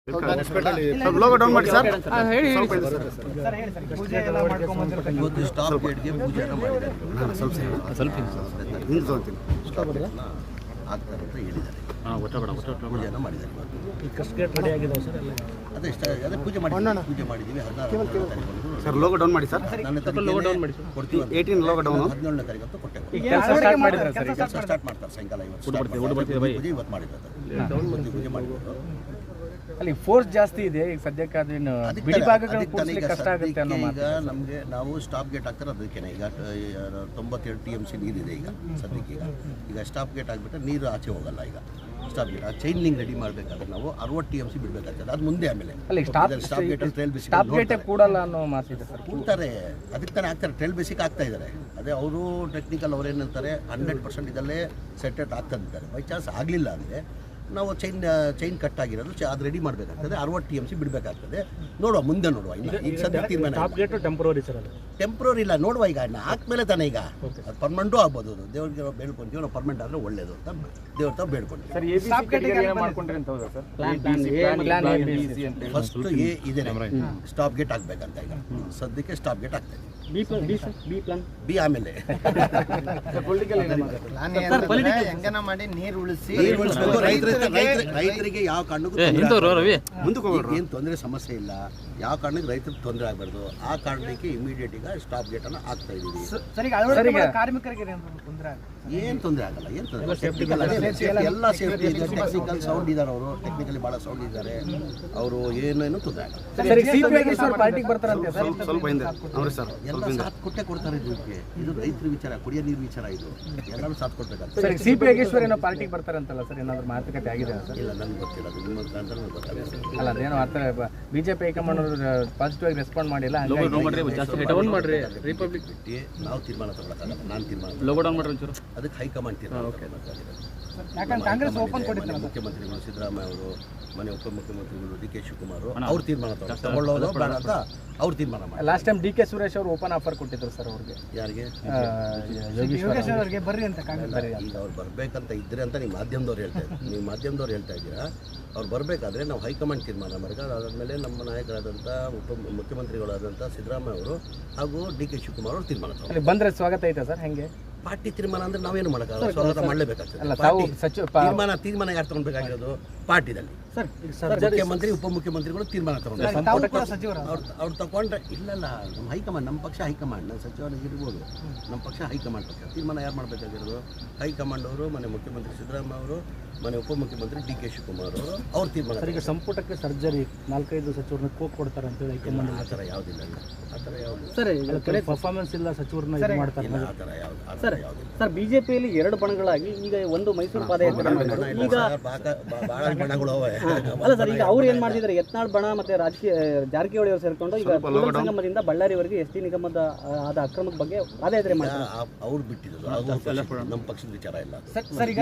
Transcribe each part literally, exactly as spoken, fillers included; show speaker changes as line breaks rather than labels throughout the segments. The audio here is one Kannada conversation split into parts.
ಲೋಗೋ ಡೌನ್ ಮಾಡಿ ಸರ್.
ಇವತ್ತು ಸ್ಟಾಪ್ ಗೇಟ್ಗೆ ಪೂಜೆನ ಮಾಡಿದ್ದಾರೆ.
ಸ್ವಲ್ಪ ಸ್ವಲ್ಪ ಹಿಂದೆ ತೊಗೊಂತೀನಿ.
ಸ್ಟಾಪ್ ಗೇಟ್ನ ಆಗ್ತಾರೆ ಅಂತ ಹೇಳಿದ್ದಾರೆ. ಪೂಜೆನ ಮಾಡಿದ್ದಾರೆ. ಅದೇ ಇಷ್ಟ ಅದೇ ಪೂಜೆ ಮಾಡಿ ಪೂಜೆ ಮಾಡಿದ್ದೀವಿ. ಹದಿನಾರು
ಸರ್ ಲೋಗೋ ಡೌನ್ ಮಾಡಿ ಸರ್.
ನನ್ನ ಲೋಗೋ ಡೌನ್ ಮಾಡಿ ಕೊಡ್ತೀವಿ.
ಏಯ್ಟೀನ್ ಲೋಗೋ ಡೌನ್
ಹದಿನೇಳನೇ ತಾರೀಕು ಕೊಟ್ಟೆ.
ಕೆಲಸ ಸ್ಟಾರ್ಟ್ ಮಾಡಿದ್ದಾರೆ ಸರ್.
ಕೆಲಸ ಸ್ಟಾರ್ಟ್ ಮಾಡ್ತಾರೆ ಸಾಯಂಕಾಲ. ಇವತ್ತು ಇವತ್ತು ಮಾಡಿದ್ದಾರೆ. ಪೂಜೆ ಮಾಡಿದ್ರು.
ಅಲ್ಲಿ ಫೋರ್ಸ್ ಜಾಸ್ತಿ ಇದೆ ಈಗ ಸದ್ಯಕ್ಕೆ. ಅದೇನು ಬಿಡಿ ಭಾಗಗಳು ಕೂಡಿಸ್ಲಿಕ್ಕೆ ಕಷ್ಟ ಆಗುತ್ತೆ ಅನ್ನೋ ಮಾತು.
ಈಗ ನಮಗೆ ನಾವು ಸ್ಟಾಪ್ ಗೇಟ್ ಹಾಕ್ತಾರೆ ಅದಕ್ಕೇನೆ. ಈಗ ತೊಂಬತ್ತೆರಡು ಟಿ ಎಮ್ ಸಿ ನೀರಿದೆ ಈಗ ಸದ್ಯಕ್ಕೆ. ಈಗ ಈಗ ಸ್ಟಾಪ್ ಗೇಟ್ ಆಗಿಬಿಟ್ರೆ ನೀರು ಆಚೆ ಹೋಗಲ್ಲ. ಈಗ ಸ್ಟಾಪ್ ಗೇಟ್ ಆ ಚೈನ್ ಲಿಂಕ್ ರೆಡಿ ಮಾಡಬೇಕಾದ್ರೆ ನಾವು ಅರವತ್ತು ಟಿ ಎಮ್ ಸಿ ಬಿಡಬೇಕಾಗ್ತದೆ. ಅದು ಮುಂದೆ ಆಮೇಲೆ
ಅಲ್ಲಿ stop
stop gate trial basic
stop ಗೇಟೇ ಕೂಡಲ್ಲ ಅನ್ನೋ ಮಾತಿದೆ ಸರ್.
ಕೂಡ್ತಾರೆ. ಅದಕ್ಕೆ ತಾನೇ ಆಗ್ತಾರೆ. ಟ್ರೈಲ್ ಬೇಸಿಕ್ ಆಗ್ತಾ ಇದ್ದಾರೆ. ಅದೇ ಅವರು ಟೆಕ್ನಿಕಲ್ ಅವ್ರು ಏನು ಹೇಳ್ತಾರೆ, ಹಂಡ್ರೆಡ್ ಪರ್ಸೆಂಟ್ ಇದಲ್ಲೇ ಸೆಟೆಟ್ ಆಗ್ತಾ ಇದ್ದಾರೆ. ಬೈ ಚಾನ್ಸ್ ಆಗಲಿಲ್ಲ ಅಂದರೆ ನಾವು ಚೈನ್ ಚೈನ್ ಕಟ್ ಆಗಿರೋದು ಅದು ರೆಡಿ ಮಾಡಬೇಕಾಗ್ತದೆ. ಅರವತ್ತು ಟಿ ಎಮ್ ಸಿ ಬಿಡಬೇಕಾಗ್ತದೆ. ನೋಡುವ ಮುಂದೆ ನೋಡುವ. ಇನ್ನು ಈಗ ಸದ್ಯ ತೀರ್ಮಾನ
ಟೆಂಪ್ರರಿ ಸರ್. ಅದು
ಟೆಂಪ್ರರಿ ಇಲ್ಲ, ನೋಡುವ. ಈಗ ಹಾಕ್ಮೇಲೆ ತಾನೇ ಈಗ ಅದು ಪರ್ಮನೆಂಟು ಆಗ್ಬೋದು. ಅದು ದೇವ್ರಿಗೆ ನಾವು ಬೇಡ್ಕೊಂತೀವಿ. ನಾವು ಪರ್ಮನೆಂಟ್ ಆದರೆ ಒಳ್ಳೇದು ಅಂತ ದೇವ್ರ ತಾವು ಬೇಡ್ಕೊಂತೀವಿ. ಫಸ್ಟ್ ಎ ಇದೆ, ಸ್ಟಾಪ್ ಗೇಟ್ ಆಗ್ಬೇಕಂತ. ಈಗ ಸದ್ಯಕ್ಕೆ ಸ್ಟಾಪ್ ಗೇಟ್ ಆಗ್ತಾ ಇದೆ. ಬಿ ಆಮೇಲೆ
ಮಾಡಿ ನೀರು ಉಳಿಸಿ
ರೈತರಿಗೆ ಯಾವ ಕಾರಣಕ್ಕೂ ಏನು ತೊಂದರೆ ಸಮಸ್ಯೆ ಇಲ್ಲ. ಯಾವ ಕಾರಣಕ್ಕೆ ರೈತರಿಗೆ ತೊಂದರೆ ಆಗಬಾರ್ದು. ಆ ಕಾರಣಕ್ಕೆ ಇಮಿಡಿಯೇಟ್ ಈಗ ಸ್ಟಾಪ್ ಗೇಟ್ ಅನ್ನು ಹಾಕ್ತಾ ಇದೀವಿ. ಏನು ತೊಂದರೆ ಆಗಲ್ಲ. ಏನು ತೊಂದರೆ ಎಲ್ಲ ಸೇಫ್ಟಿ ಇದೆ. ಟೆಕ್ನಿಕಲ್ ಸೌಂಡ್ ಇದ್ದಾರೆ ಅವರು. ಟೆಕ್ನಿಕಲಿ ಭಾಳ ಸೌಂಡ್ ಇದ್ದಾರೆ ಅವರು. ಏನೇನು ತೊಂದರೆ ಆಗಲ್ಲ.
ಸ್ವಲ್ಪ ಹಿಂದೆ ಅವ್ರಿ ಸರ್.
ಎಲ್ಲ ಸಾಥ್ ಕೊಟ್ಟೆ ಕೊಡ್ತಾರೆ. ಇದಕ್ಕೆ ಇದು ರೈತರ ವಿಚಾರ, ಕುಡಿಯೋ ನೀರು ವಿಚಾರ. ಇದು ಎಲ್ಲರೂ ಸಾಥ್ ಕೊಡ್ಬೇಕಾಗ್ತದೆ.
ಸರ್ ಸಿ ಪಿ ಯೋಗೇಶ್ವರ್ ಏನೋ ಪಾರ್ಟಿಗೆ ಬರ್ತಾರೆ ಅಂತಲ್ಲ ಸರ್, ಏನಾದ್ರು ಮಾತುಕತೆ ಆಗಿದೆ ಸರ್?
ಇಲ್ಲ, ನನಗೆ ಗೊತ್ತಿಲ್ಲ. ಅದು ನಿಮ್ಮ ಮುಖಾಂತರ ನನಗೆ ಗೊತ್ತಾಗುತ್ತೆ.
ಅಲ್ಲ ಅದೇನೋ ಆ ಥರ ಬಿಜೆಪಿ ಹೈಕಮಾಂಡ್ ಅವರು ಪಾಸಿಟಿವ್ ಆಗಿ ರೆಸ್ಪಾಂಡ್ ಮಾಡಿಲ್ಲ.
ರಿಪಬ್ಲಿಕ್ ಬಿಟ್ಟು ನಾವು ತೀರ್ಮಾನ ತಗೊಳಕ್ಕಾಗಲ್ಲ. ನಾನು ತೀರ್ಮಾನ ಅದಕ್ಕೆ ಹೈಕಮಾಂಡ್ ತೀರ್ಮಾನ.
ಯಾಕಂದ್ರೆ ಕಾಂಗ್ರೆಸ್ ಓಪನ್ ಕೊಟ್ಟಿದ್ದಾರೆ.
ಮುಖ್ಯಮಂತ್ರಿಗಳು ಸಿದ್ದರಾಮಯ್ಯ ಅವರು, ಮನೆ ಉಪಮುಖ್ಯಮಂತ್ರಿಗಳು ಡಿ ಕೆ ಶಿವಕುಮಾರ್ ಅವ್ರು ತೀರ್ಮಾನ ತಗೊಳ್ಳೋದು ಬೇಡ ಅಂತ ಅವ್ರು ತೀರ್ಮಾನ ಮಾಡಿ.
Last time D K Suresh ಅವರು ಓಪನ್ ಆಫರ್ ಕೊಟ್ಟಿದ್ರು ಸರ್ ಅವ್ರಿಗೆ.
ಯಾರಿಗೆ?
ಯೋಗೇಶ್ವರ್ ಅವರಿಗೆ ಬರ್ರಿ ಅಂತ.
ಈಗ ಅವ್ರು ಬರಬೇಕಂತ ಇದ್ರೆ ಅಂತ ನೀವು ಮಾಧ್ಯಮದವ್ರು ಹೇಳ್ತಾ ಇದ್ದೀರಾ. ನೀವು ಮಾಧ್ಯಮದವ್ರು ಹೇಳ್ತಾ ಇದ್ದೀರಾ. ಅವ್ರು ಬರಬೇಕಾದ್ರೆ ನಾವು ಹೈಕಮಾಂಡ್ ತೀರ್ಮಾನ ಮಾಡ್ಕೊಂಡು ಅದಾದಮೇಲೆ ನಮ್ಮ ನಾಯಕರಾದಂಥ ಉಪ ಮುಖ್ಯಮಂತ್ರಿಗಳಾದಂಥ ಸಿದ್ದರಾಮಯ್ಯ ಅವರು ಹಾಗೂ ಡಿ ಕೆ ಶಿವಕುಮಾರ್ ಅವರು ತೀರ್ಮಾನ ತಗೊಂಡು
ಬಂದರೆ ಸ್ವಾಗತ ಐತೆ ಸರ್. ಹೆಂಗೆ
ಪಾರ್ಟಿ ತೀರ್ಮಾನ ಅಂದ್ರೆ ನಾವೇನು ಮಾಡೋಕ್ಕಾಗಲ್ಲ. ಸ್ವಾಗತ ಮಾಡಲೇಬೇಕಾಗ್ತದೆ. ತೀರ್ಮಾನ ತೀರ್ಮಾನ ಯಾರು ತಗೊಳ್ಬೇಕಾಗಿರೋದು? ಪಾರ್ಟಿದಲ್ಲಿ ಮುಖ್ಯಮಂತ್ರಿ ಉಪಮುಖ್ಯಮಂತ್ರಿಗಳು ತೀರ್ಮಾನ ತಗೊಂಡ್ರೆ ಅವ್ರು ತಗೊಂಡ್ರೆ ಇಲ್ಲಲ್ಲ. ನಮ್ಮ ಹೈಕಮಾಂಡ್, ನಮ್ಮ ಪಕ್ಷ ಹೈಕಮಾಂಡ್. ನಮ್ಮ ಸಚಿವರಿಗೆ ಇರ್ಬೋದು. ನಮ್ಮ ಪಕ್ಷ ಹೈಕಮಾಂಡ್ ಪಕ್ಷ ತೀರ್ಮಾನ ಯಾರು ಮಾಡಬೇಕಾಗಿರೋದು? ಹೈಕಮಾಂಡ್ ಅವರು, ಮನೆ ಮುಖ್ಯಮಂತ್ರಿ ಸಿದ್ದರಾಮಯ್ಯ ಅವರು, ಮನೆ ಉಪಮುಖ್ಯಮಂತ್ರಿ ಡಿ ಕೆ ಶಿವಕುಮಾರ್ ಅವರು ಅವ್ರು ತೀರ್ಮಾನ.
ಈಗ ಸಂಪುಟಕ್ಕೆ ಸರ್ಜರಿ ನಾಲ್ಕೈದು ಸಚಿವರನ್ನ ಕೋಕ್ ಕೊಡ್ತಾರೆ ಅಂತ ಹೇಳಿ ಹೈಕಮಾಂಡ್.
ಆ ಥರ ಯಾವುದಿಲ್ಲ. ಆ ಥರ ಯಾವುದು
ಸರ್ ಪರ್ಫಾರ್ಮೆನ್ಸ್ ಇಲ್ಲ ಸಚಿವರನ್ನ ಮಾಡ್ತಾರೆ.
ಆ ಥರ ಯಾವುದು
ಸರ್ ಸರ್ ಬಿಜೆಪಿಯಲ್ಲಿ ಎರಡು ಬಣಗಳಾಗಿ ಈಗ ಒಂದು ಮೈಸೂರು ಪಾದಯಾತ್ರೆ ಈಗ
ಭಾಳ ಬಣಗಳು ಅವೆ.
ಅಲ್ಲ ಸರ್, ಈಗ ಅವ್ರು ಏನ್ ಮಾಡ್ತಿದ್ದಾರೆ, ಯತ್ನಾಳ್ ಬಣ ಮತ್ತೆ ರಾಜಕೀಯ ಜಾರಕಿಹೊಳಿ ಅವರು ಸೇರ್ಕೊಂಡು ಈಗ ಸಂಗಮದಿಂದ ಬಳ್ಳಾರಿವರೆಗೆ ಎಸ್ ಟಿ ನಿಗಮದ ಆದ ಅಕ್ರಮದ ಬಗ್ಗೆ ಪಾದಯಾತ್ರೆ ಮಾಡ್ತಾರೆ.
ಅವ್ರು ಬಿಟ್ಟಿದ್ರು. ನಮ್ಮ ಪಕ್ಷದ ವಿಚಾರ ಇಲ್ಲ.
ಸರ್ ಈಗ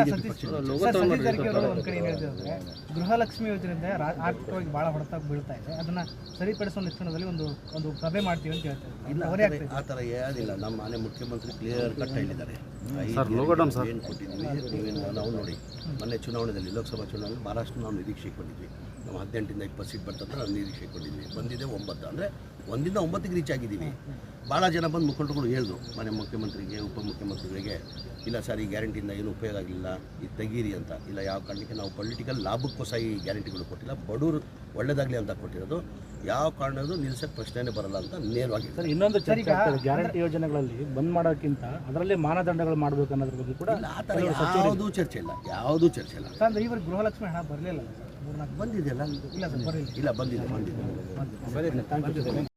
ಒಂದು ಕಡೆ ಏನು ಹೇಳ್ತಿದ್ರೆ ಗೃಹಲಕ್ಷ್ಮಿ ಯೋಜನೆಯಿಂದ ಆರ್ಥಿಕವಾಗಿ ಬಹಳ ಹೊಡೆತ ಬೀಳ್ತಾ ಇದೆ. ಅದನ್ನ ಸರಿಪಡಿಸುವ ನಿಟ್ಟಿನಲ್ಲಿ ಒಂದು ಒಂದು ಸಭೆ ಮಾಡ್ತೀವಿ ಅಂತ ಹೇಳ್ತಾರೆ.
ಇಲ್ಲ, ಆ ಥರ ಯಾವುದಿಲ್ಲ. ನಮ್ಮ ಮನೆ ಮುಖ್ಯಮಂತ್ರಿ ಕ್ಲಿಯರ್ ಕಟ್ ಹೇಳಿದ್ದಾರೆ. ಏನು ಕೊಟ್ಟಿದ್ವಿ ನೀವೇನು ನಾವು ನೋಡಿ. ಮೊನ್ನೆ ಚುನಾವಣೆಯಲ್ಲಿ, ಲೋಕಸಭಾ ಚುನಾವಣೆಯಲ್ಲಿ ಭಾಳಷ್ಟು ನಾವು ನಿರೀಕ್ಷೆ ಕೊಟ್ಟಿದ್ವಿ. ನಾವು ಹದಿನೆಂಟರಿಂದ ಇಪ್ಪತ್ತು ಸೀಟ್ ಬರ್ತಂತ ನಾವು ನಿರೀಕ್ಷೆ ಕೊಟ್ಟಿದ್ವಿ. ಬಂದಿದೆ ಒಂಬತ್ತು. ಅಂದರೆ ಒಂದಿಂದ ಒಂಬತ್ತಿಗೆ ರೀಚ್ ಆಗಿದ್ದೀವಿ. ಭಾಳ ಜನ ಬಂದು ಮುಖಂಡರುಗಳು ಹೇಳಿದ್ರು ಮನೆ ಮುಖ್ಯಮಂತ್ರಿಗೆ, ಉಪಮುಖ್ಯಮಂತ್ರಿಗಳಿಗೆ, ಇಲ್ಲ ಸರ್ ಈ ಗ್ಯಾರಂಟಿಯಿಂದ ಏನು ಉಪಯೋಗ ಆಗಲಿಲ್ಲ, ಇದು ತೆಗೀರಿ ಅಂತ. ಇಲ್ಲ, ಯಾವ ಕಾರಣಕ್ಕೆ ನಾವು ಪೊಲಿಟಿಕಲ್ ಲಾಭಕ್ಕೋಸ್ಕರ ಈ ಗ್ಯಾರಂಟಿಗಳು ಕೊಟ್ಟಿಲ್ಲ, ಬಡವರು ಒಳ್ಳೇದಾಗಲಿ ಅಂತ ಕೊಟ್ಟಿರೋದು. ಯಾವ ಕಾರಣದ್ದು ನಿಲ್ಸಕ್ಕೆ ಪ್ರಶ್ನೆನೇ ಬರಲ್ಲ ಅಂತ ನೇರವಾಗಿ.
ಸರ್ ಇನ್ನೊಂದು ಚರ್ಚೆ ಆಗ್ತದೆ, ಗ್ಯಾರಂಟಿ ಯೋಜನೆಗಳಲ್ಲಿ ಬಂದ್ ಮಾಡೋಕ್ಕಿಂತ ಅದರಲ್ಲೇ ಮಾನದಂಡಗಳು ಮಾಡಬೇಕು ಅನ್ನೋದ್ರ ಬಗ್ಗೆ ಕೂಡ
ಆ ಥರ ಯಾವುದೂ ಚರ್ಚೆ ಇಲ್ಲ. ಯಾವುದೂ ಚರ್ಚೆ ಇಲ್ಲ.
ಅಂದ್ರೆ ಇವರು ಗೃಹಲಕ್ಷ್ಮಿ ಹಣ ಬರಲಿಲ್ಲ.
ಬಂದಿದೆಯಲ್ಲ?
ಇಲ್ಲ ಸರ್, ಬರಲಿಲ್ಲ.
ಇಲ್ಲ, ಬಂದಿದೆ ಬಂದಿದೆ.